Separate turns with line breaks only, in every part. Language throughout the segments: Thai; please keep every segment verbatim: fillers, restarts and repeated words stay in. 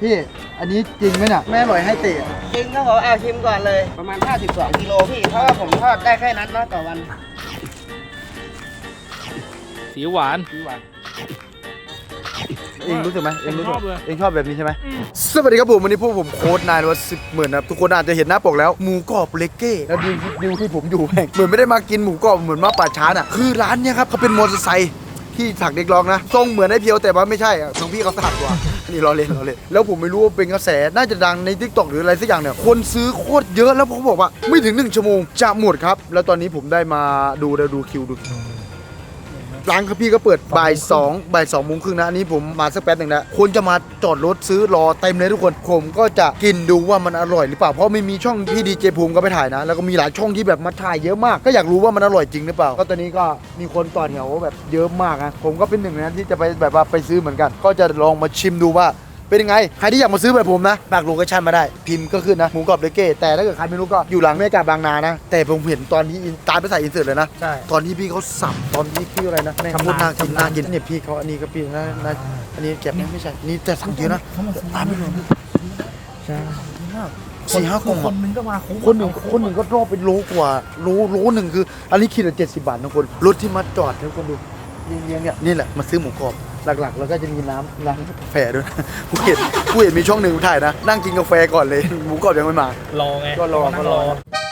พี่อันนี้จริงไหมเนี่ยแม่อร่อยให้เตะ
จริงครับผมเอาชิมก่อนเลยประมาณห้าสิบสองกิโลพี่เพราะว่าผมทอดได้แค่นั้นเนาะต่อวัน
สีหวาน
สีหวานเองรู้สึกไหมเองรู้สึกเองชอบแบบนี้ใช่ไหมสวัสดีครับผมวันนี้พวกผมโค้ดนายวัดสิบหมื่นนะครับทุกคนอาจจะเห็นหน้าปกแล้วหมูกรอบเลเก้แล้วดูดูที่ผมอยู่แม่งเหมือนไม่ได้มากินหมูกรอบเหมือนมาป่าช้าน่ะคือร้านเนี้ยครับเขาเป็นมอเตอร์ไซค์ที่ถักเด็กร้องนะทรงเหมือนไอ้เพียวแต่ว่าไม่ใช่อ่ะน้องพี่เขาสักกว่านี่รอเล่นรอเล่นแล้วผมไม่รู้ว่าเป็นกระแสน่าจะดังใน ทิกตอก หรืออะไรสักอย่างเนี่ยคนซื้อโคตรเยอะแล้วผมบอกว่าไม่ถึงหนึ่งชั่วโมงจะหมดครับแล้วตอนนี้ผมได้มาดูได้ดูคิวดูร้านครับพี่ก็เปิดบ่ายสองบ่ายสองโมงครึ่งนะอันนี้ผมมาสักแป๊บหนึ่งนะคนจะมาจอดรถซื้อรอเต็มเลยทุกคนผมก็จะกินดูว่ามันอร่อยหรือเปล่าเพราะไม่มีช่องพี่ดีเจภูมิก็ไปถ่ายนะแล้วก็มีหลายช่องที่แบบมาถ่ายเยอะมากก็อยากรู้ว่ามันอร่อยจริงหรือเปล่าก็ตอนนี้ก็มีคนต่อแถวแบบเยอะมากนะผมก็เป็นหนึ่งในนั้นที่จะไปแบบว่าไปซื้อเหมือนกันก็จะลองมาชิมดูว่าเป็นยังไงใครที่อยากมาซื้อแบบผมนะฝากโลเคชั่นมาได้พิมพ์ก็ขึ้นนะหมูกรอบเลเก้แต่ถ้าเกิดใครไม่รู้ก็อยู่หลังเมกาบางนานะแต่ผมเห็นตอนที่ตามไปใส่อินเสิร์ตเลยนะใช่ตอนที่พี่เขาสับตอนที่พี่อะไรนะแม่งพูดน่ากินน่ากินเนี่ยพี่เขาอันนี้ก็พี่นะนะอันนี้เก็บไม่ใช่นี่แต่สั่งเยอะนะตามไม่รวมใช่สี่ห้ากล่องคนหนึ่งก็มาคนหนึ่งคนหนึ่งก็รอบเป็นโลกว่าโลโลหนึ่งคืออันนี้คิดละเจ็ดสิบบาทนะคนรถที่มาจอดทุกคนดูเลี้ยงเนี่ยนี่แหละมาซื้อหมูกรอบหลักๆแล้วก็จะมีน้ำน้ำกาแฟด้วยกูเห็นกูเห็นมีช่องหนึ่งถ่ายนะนั่งกินกาแฟก่อนเลยหมูกรอบยังไม่มาร
อไง
ก็รอก็รอ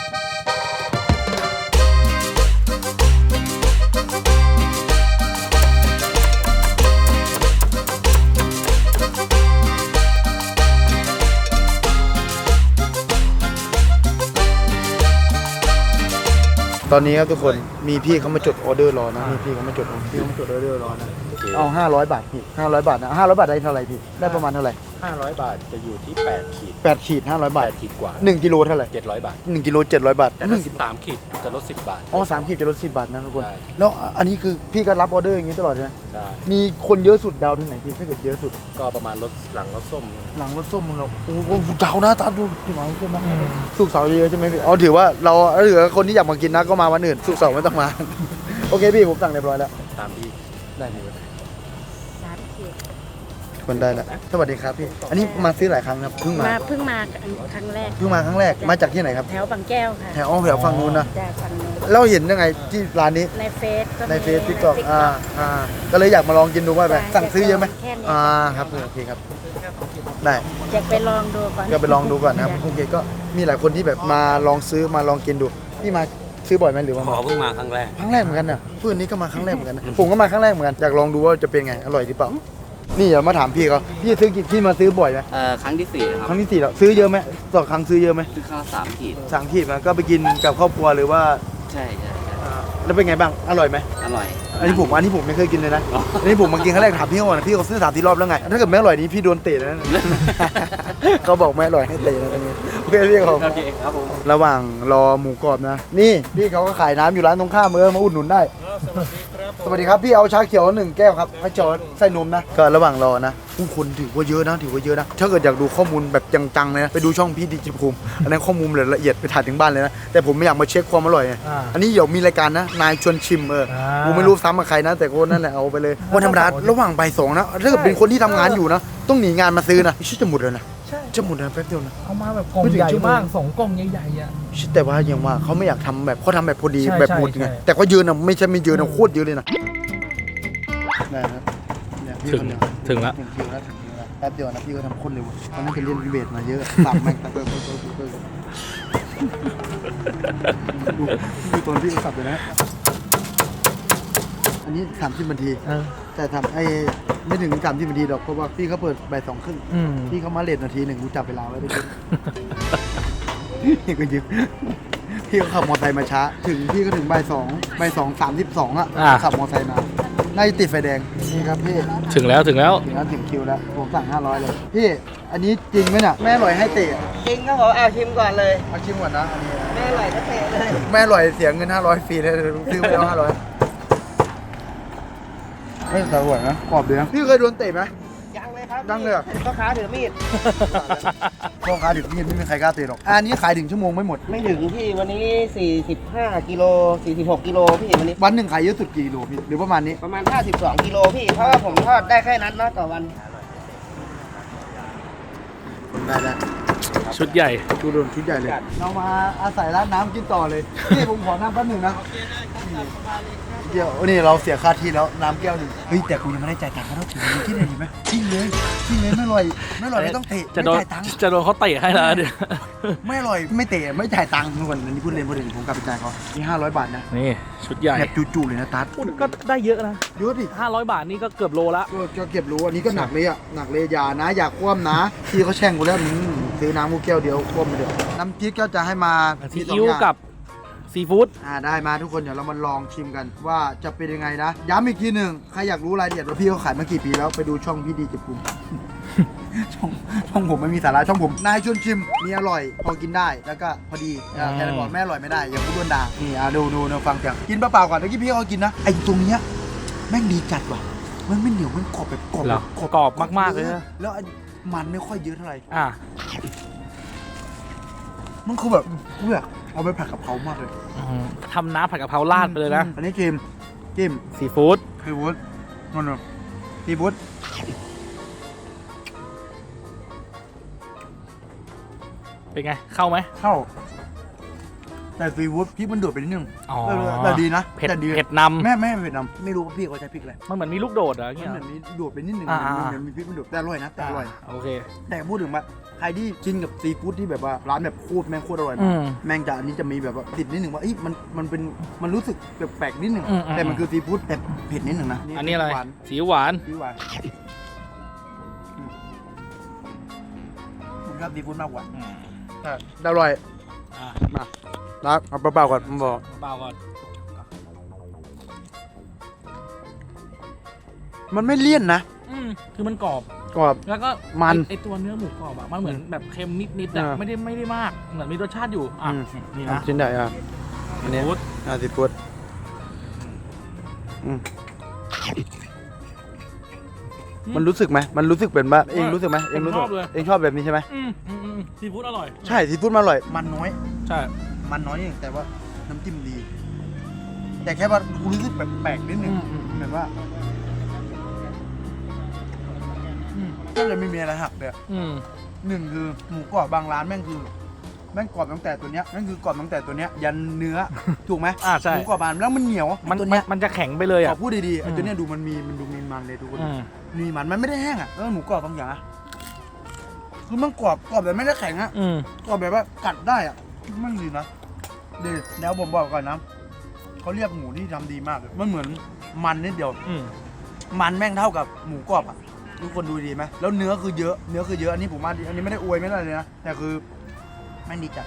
ตอนนี้ครับทุกคนมีพี่เขามาจดออเดอร์รอนะมีพี่เขามาจดพี่เขามาจดออเดอร์รอนะเอาห้าร้อยบาทพี่ห้าร้อยบาทนะห้าร้อยบาทได้เท่าไหร่พี่ได้ประมาณเท่าไหร่
ห้าร้อยบาทจะอยู่ที่แปดขีด
แปดขีดห้าร้อยบาท
ขีดกว่า
หนึ่งกิโลเท่าไหร่
เจ็ดร้อยบาท
หนึ่งกิโลเจ็ดร้อยบาท
แต่ถ้าสามขีดจะลดสิบบาท
อ๋อสามขีดจะลดสิบบาทนะทุกคนแล้วอันนี้คือพี่ก็รับออเดอร์อย่างนี้ตลอดใช่ไหม
ใช่
มีคนเยอะสุดดาวที่ไหนพี่ถ้าเกิดเยอะสุด
ก็ประมาณรถหลังรถส้ม
หลังรถส้มมึงเราโอ้โหดาวนะตาดูที่หลังส้มนะสุกเสาร์เยอะใช่ไหมพี่อ๋อถือว่าเราถือว่าคนที่อยากมากินนะก็มาวันอื่นสุกเสาร์ไม่ต้องมาโอเคพี่ผมสั่งเรียบร้อยแล้ว
ตามที่
ได้ไหมคนได้แล้วสวัสดีครับพี่อันนี้มาซื้อหลายครั้งครับเพิ่งมา
เพิ่งมาครั้งแรก
เพิ่งมาครั้งแรกมาจากที่ไหนครับ
แถวบางแก้วค่ะ
แถวแถวฝั่งนู้นนะ
จากฝั่งนู้น
แล้วเห็นยังไงที่ร้านนี้
ในเฟซ
ในเฟซทิกตอกอ่าอ่าก็เลยอยากมาลองกินดูว่าแบบสั่งซื้อเยอะไหมอ่าครับโอเคครับได้
อยากไปลองดูก่อน
ก็ไปลองดูก่อนนะครับโอเคก็มีหลายคนที่แบบมาลองซื้อมาลองกินดูพี่มาซื้อบ่อยไหมหรือว่า
ขอเพิ่งมาครั้งแรก
ครั้งแรกเหมือนกันน่ะเพื่อนนี้ก็มาครั้งแรกเหมือนกันนะผมก็มาครั้งแรกเหมือนกันอยากลองดูว่าจะเป็นไงอร่อยหรือเปล่านี่อย่ามาถามพี่เขาพี่ซื้อกี่พี่มาซื้อบ่อยไหม
เอ่อครั้งที่สี่ครับ
ครั้งที่สี่แล้วซื้อเยอะไหมต่อครั้งซื้อเยอะไหม
ซื้อข้าวสามขีด
สามขีดมาก็ไปกินกับครอบครัวหรือว่า
ใช่ใช่
แล้วเป็นไงบ้างอร่อยไหม
อร่อย
อันนี้ผมอันนี้ผมไม่เคยกินเลยนะอันนี้ผมมากินครั้งแรกถามพี่เขาก่อนพี่เขาซื้อสามที่รอบแล้วไงถ้าเกิดไม่อร่อยนี้พี่โดนเตะนะเขาบอกไม่อร่อยให้เตะนะตรงนี้โอเคพี่เขา
โอเคครับผม
ระหว่างรอหมูกรอบนะนี่พี่เขาก็ขายน้ำอยู่ร้านตรงข้ามเออมาอุดหนุนได้สวัสดีครับพี่เอาชาเขียวหนึ่งแก้วครับให้จอดใส่นมนะก็ระหว่างรอนะผู้คนถือว่าเยอะนะถือว่าเยอะนะถ้าเกิดอยากดูข้อมูลแบบจังๆเลยนะไปดูช่องพี่ดิจิภูมิอันนั้นข้อมูลละเอียดไปถ่ายถึงบ้านเลยนะแต่ผมไม่อยากมาเช็คความอร่อยอันนี้เดี๋ยวมีรายการนะนายชวนชิมเออผมไม่รู้ซ้ำกับใครนะแต่คนนั่นแหละเอาไปเลยวันธรรมดาระหว่างบ่ายสองนะถ้าเกิดเป็นคนที่ทำงานอยู่นะต้องหนีงานมาซื้อนะชิจะหมดเลยนะจะหมดนะแป๊บเดียวนะ
เอามาแบบกล่องใหญ่มากสองกล่องใหญ่ๆอ่ะ
แต่ว่าอย่างว่าเขาไม่อยากทำแบบเขาทำแบบพอดีแบบหมดไงแต่ก็เยอะนะไม่ใช่ไม่เยอะนะโคตรเยอะเลยนะได้ครับ
ถึงถึงแล้ว
ถึงคิวแล้วถึงคิวแล้วแป๊บเดียวนะพี่ก็ทำคนเร็วตอนนั้นจะเล่นเบสมาเยอะสับแม่งตะเบิกดูดูตอนพี่สับเลยนะอันนี้สามสิบนาทีแต่ทำไอ้ไม่ถึงสามสิบนาทีหรอกเพราะว่าพี่เขาเปิดบ่ายสองครึ่งพี่เขามาเลทนาทีหนึ่งกูจับเวลาไว้ไปพี่ก็ยืมพี่เขาขับมอเตอร์ไซค์มาช้าถึงพี่ก็ถึงบ่ายสองบ่ายสองสามสิบสองอ่ะขับมอเตอร์ไซค์มาน่าจะติดไฟแดงนี่ครับพี่
ถึงแล้วถึงแล้ว
ถึงแล้วถึงคิวแล้วผมสั่งห้าร้อยเลยพี่อันนี้จริงไหมเนี่ยแม่อร่อยให้เตะ
จริงครับผมเอาชิมก่อนเลย
เอาชิมก่อนนะอันนี้
แม่อร่อยก็เตะเลย
แม่อร่อยเสียเงินห้าร้อยฟรีเลยซื้อไปแล้วห้าร้อยไม่สวยนะกรอบดีนะพี่เคยโดนเตะไหม
ยังเลยครับ
ยังเลย
พ่อค้าถือมีด
พ่อค้าถือมีดไม่มีใครกล้าเตะหรอกอันนี้ขายถึงชั่วโมงไม่หมด
ไม่ถึงพี่วันนี้สี่สิบห้ากิโลสี่สิบหกกิโลพี่วันนี้
วันหนึ่งขายเยอะสุดกี่กิโลพี่หรือประมาณนี้
ประมาณห้าสิบสองกิโลพี่เพราะว่าผมทอดได้แค่นั้นเนาะต่อวัน
ได้ได้
ชุดใหญ่
ชุดโดนชุดใหญ่เลยเรามาอาศัยร้านน้ำกินต่อเลยนี่ผมขอน้ำแป๊บหนึ่งนะเดี๋ยวนี่เราเสียค่าที่แล้วน้ำแก้วหนึ่งเฮ้ยแต่กูยังไม่ได้จ่ายตังค์เขาต้องถือที่ไหนดีไหมทิ้งเลยทิ้งเลยไม่อร่อยไม่อร่อยไม่ต้องเตะ
จะ
ไม่
โดน
จ่ายตังค์
จะโดนเขาเตะให้แล้วเดี๋ยว
ไม่อร่อยไม่เตะไม่จ่ายตังค์ทุกคนอันนี้พูดเล่นพูดเล่นผมกลับไปจ่ายเขานี่ห้าร้อยบาทนะ
นี่ชุดใหญ่
แบบจู่ๆเลยนะตัด
พูดก็ได้เยอะนะ
เยอะดิ
ห้าร้อยบาทนี่ก็เกือบโลละ
ก็จะเก็บรู้อันนี้ก็หนักเลยอ่ะหนักเลยอย่านะอย่าคว่ำนะพี่เขาแช่งกูแล้วอืมซื้อน้ำกูแก้วเดียวคว่ำไปเดียวน้ำพริกก็จะให้มา
ซี
มีสง
อิ๊ว
อย่าง
กับซีฟู้ด
อ่าได้มาทุกคนเดี๋ยวเรามาลองชิมกันว่าจะเป็นยังไงนะย้ำอีกทีหนึ่งใครอยากรู้รายละเอียดว่าพี่เขาขายมากี่ปีแล้วไปดูช่องพี่ดีเจ็บปุ่ม ช่องช่องผมไม่มีสาระช่องผมนายชวนชิมมีอร่อยพอกินได้แล้วก็พอดีอ่าแค่นั้นบอกแม่อร่อยไม่ได้อย่าพูดด้วนด่านี่อ่ะดูดูดูฟังเสียงกินเปล่าๆก่อนเมื่อกี้พี่เขากินนะไอ้ตรงเนี้ยแม่งดีจัดว่ะมันไม่เหนียวมันกรอบแบบกรอบ
เหร
แบ
อบ กรอบมากๆเลยนะ
แล้วไอ้มันไม่ค่อยเยอะเท่าไหร่
อ่ะ
มันคือแบบกูอยากเอาไปผัดกับเขามากเลย
อืมทำน้ำผัดกะเพราราดไปเลยนะ
อันนี้จิ้มจิ้ม
ซีฟู้ด
ซีฟู้ดนั่นน่ะซีฟู้ด
เป็นไง เข้าไหม
เข้าแต่ซีฟู้ดพริกมันโดดไปนิดนึง
อ๋อ
แต่แต่ดีนะ
เผ็ด
แต่ดี
เผ็ดนำ
แม่แม่เผ็ดนำไม่รู้ว่าพี่เขาใช้พริกอะไร
มันเหมือนมีลูกโดดเหรอ
มัน
เงี้ย
เหมือนมีโดดไปนิดนึง
อ่า
มันเหมือนมีพริกมันโดดแต่อร่อยนะแต่อร่อย
โอเค
แต่พูดถึงว่าใครที่กินกับซีฟู้ดที่แบบว่าร้านแบบโคตรแม่งโคตรอร่อย
อื
นะ
ม
แม่งจะอันนี้จะมีแบบว่าติดนิดนึงว่าเอ้ยมันมันเป็นมันรู้สึกแปลกๆนิดนึง
อืมอืม
แต่มันคือซีฟู้ดแต่เผ็ดนิดนึงนะ
อันนี้อะไร
หวาน
สีหวาน
ซีหวานอืมผมชอบซีฟู้ดมากกว่าแต่อร่อย
อ่ะ
มารักเอาเปล่าๆก่อนผมบอก
เปล่าก่อน
มันไม่เลี่ยนนะ
อืมคือมันกรอบ
กรอบ
แล้วก็
มัน
ไอ้ไอตัวเนื้อหมูกรอบอะมันเหมือนแบบเค็มนิดๆอะ
อ่า
ไม่ได้ไม่ได้มาก เหมือนมีรสชาติอยู่ อ่ะ
อืม
นี่
อ่ะ
นะ
ชิ้นใหญ่อ่ะอันนี้
ซีฟู้ด
อ่ะซีฟู้ดอืมมันรู้สึกไหมมันรู้สึกเป็นว่าเองรู้สึกไหมเองรู้สึกเองชอบแบบนี้ใช่ไหม
อืมอืมอืมซีฟู้ดอร่อย
ใช่ซีฟู้ดมันอร่อยมันน้อย
ใช่
มันน้อยเองแต่ว่าน้ำจิ้มดี แต่แค่ว่ากูรู้สึกแปลกๆนิดนึง
อืมอืม
เหมือนว่าอืมก็เลยไม่มีอะไรหักเลยอะ
อืม
หนึ่งคือหมูกรอบบางร้านแม่งคือแม่งกรอบตั้งแต่ตัวเนี้ยแม่งคือกรอบตั้งแต่ตัวเนี้ยยันเนื้อ ถูกไหม
อ่าใช่
หมูกรอบบางแล้วมันเหนียว
มัน
ตัว
มัน
เนี้ย
มันจะแข็งไปเลย
ข
อ่ะ
อพูดดีๆไอ้
อืม
ตัวเนี้ยดูมันมีมันดูมีมันเลยทุกคน
อืม
มีมันมันไม่ได้แห้งอ่ะแล้วหมูกรอบบางอย่างอะคือมันกรอบกรอบแบบไม่ได้แข็งอ่ะ
อืม
กรอบแบบว่ากัดได้อ่ะมันดีนะดีแล้วผมบอกก่อนนะเขาเรียกหมูที่ทำดีมากเลยมันเหมือนมันนิดเดียว
อืม
มันแม่งเท่ากับหมูกรอบอ่ะทุกคนดูดีไหมแล้วเนื้อคือเยอะเนื้อคือเยอะอันนี้ผมว่าดีอันนี้ไม่ได้อวยไม่ได้เลยนะแต่คือแม่งดีจัด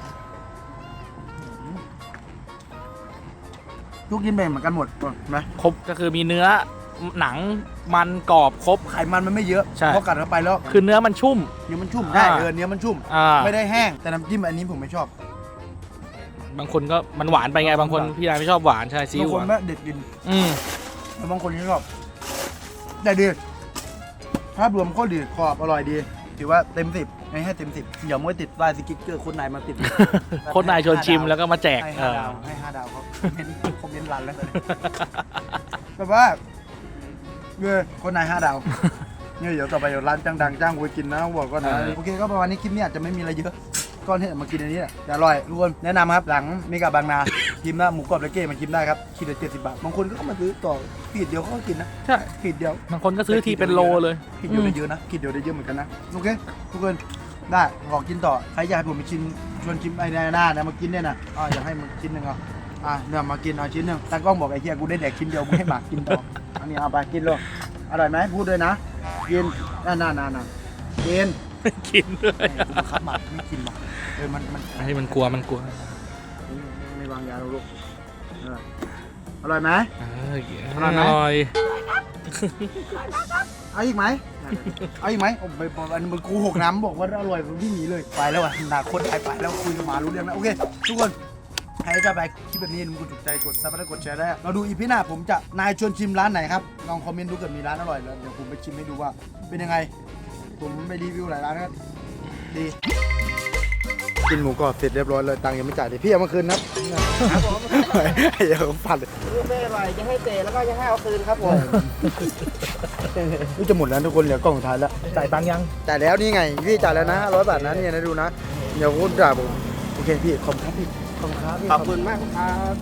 อืมทุกกินแบ่งเหมือนกันหมดเห็นไหม
ครบก็คือมีเนื้อหนังมันกรอบครบ
ไขมันมันไม่เยอะ
ใช่
เพราะกัดเข้าไปแล้ว
คือเนื้อมันชุ่ม
เนื้อมันชุ่ม
อ่า
ได้เออเนื้อมันชุ่ม
อ่า
ไม่ได้แห้งแต่น้ำจิ้มอันนี้ผมไม่ชอบบ
างคนก็มันหวานไปไงบางคนพี่ยายไม่ชอบหวานใช่ซี
บา
อิ๊
ง
ว
ค
ห
น
วาน
ไม่เด็ดกิน
อืม
แล้วบางคนที่ชอบแต่ดีภาพรวมโคตรดีกรอบอร่อยดีถือว่าเต็มสิบให้ให้เต็มสิบเดี๋ยวมื่อติดลายสกิ๊กเกอร์คนไหนมาติด
โคนนายชวนชิมแล้วก็มาแจก
ให้
เอ
ห้า
อ
ดาวให้ห้าดาวเขาคอมเมนต์คอมเมนต์รันแล้วตอนนี้แบบว่าเออคนไหนห้าดาวเนี่ยเดี๋ยวต่อไปเดี๋ยวร้านดังๆจ้างกูไปกินนะบอกก็นะ
เออ
โอเคก็ประมาณนี้คลิปนี้อาจจะไม่มีอะไรเยอะก็เนี่ยมากินอันนี้แหละแต่อร่อยทุกคนแนะนำครับหลังเมกาบางนากินนะหมูกรอบเลเก้มันกินได้ครับขีดละเจ็ดสิบบาทบางคนก็เข้ามาซื้อต่อขีดเดียวเขาก็กินนะ
ใช่
ขีดเดียว
บางคนก็ซื้อทีเป็นโลเลย
ขีดเดียวได้เยอะนะขีดเดียวได้เยอะเหมือนกันนะโอเคทุกคนได้ขอกินต่อใครอยากให้ผมไปชิมชวนชิมไอ้หน้านะมากินเนี่ยนะอ่าอยากให้มันชิ้นหนึ่งเอาอ่ะเนี่ยมากินเอาชิ้นหนึ่งตากล้องบอกไอ้เหี้ยกูได้แดกชิ้นเดียวมึงให้หมากินต่ออันนี้เอาไปกินเลยอร่อยไหมพูดด้วยนะกินน่าน่าน่าน่ากิน
กินด้วย
กูบังคับหมาไม่กินหรอกเออมันมัน
ให้มันกลัวมันกลัว
ไม่วางยาลูกเอออร่อยไหม
เออ
อร่อยไหม
อร่อย
เอาอีกไหมเอาอีกไหมโอ้ไปอันนี้มันกูหกน้ำบอกว่าอร่อยผมวิ่งหนีเลยไปแล้วอ่ะหนาคนไทยไปแล้วคุยกับหมารู้เรื่องแล้วโอเคทุกคนใครจะไปคลิปแบบนี้มึงถูกใจกดซับและกดแชร์ได้เราดูอีพีหน้าผมจะนายชวนชิมร้านไหนครับลองคอมเมนต์ดูเกิดมีร้านอร่อยแล้วเดี๋ยวผมไปชิมให้ดูว่าเป็นยังไงผมไปรีวิวหลายร้านนะครับดีกินหมูกรอบเสร็จเรียบร้อยเลยตังค์ยังไม่จ่ายเลยพี่เอามาคืนนะครับ
ผม
ไอ้เหี้ยผมฝันเลย
ไม่อร่อยจะให้เตะแล้วก็จะให้เอาคืนครับผม
นี่จะหมดแล้วทุกคนเหลือกล่องสุดท้ายแล้ว
จ่ายตังค์ยัง
จ่ายแล้วนี่ไงพี่จ่ายแล้วนะร้อยบาทนะเนี่ยนะดูนะเดี๋ยวคุณด่าผมโอเคพี่ขอบคุณครับพี่ขอบคุณครับพี่
ขอบคุณมากครับ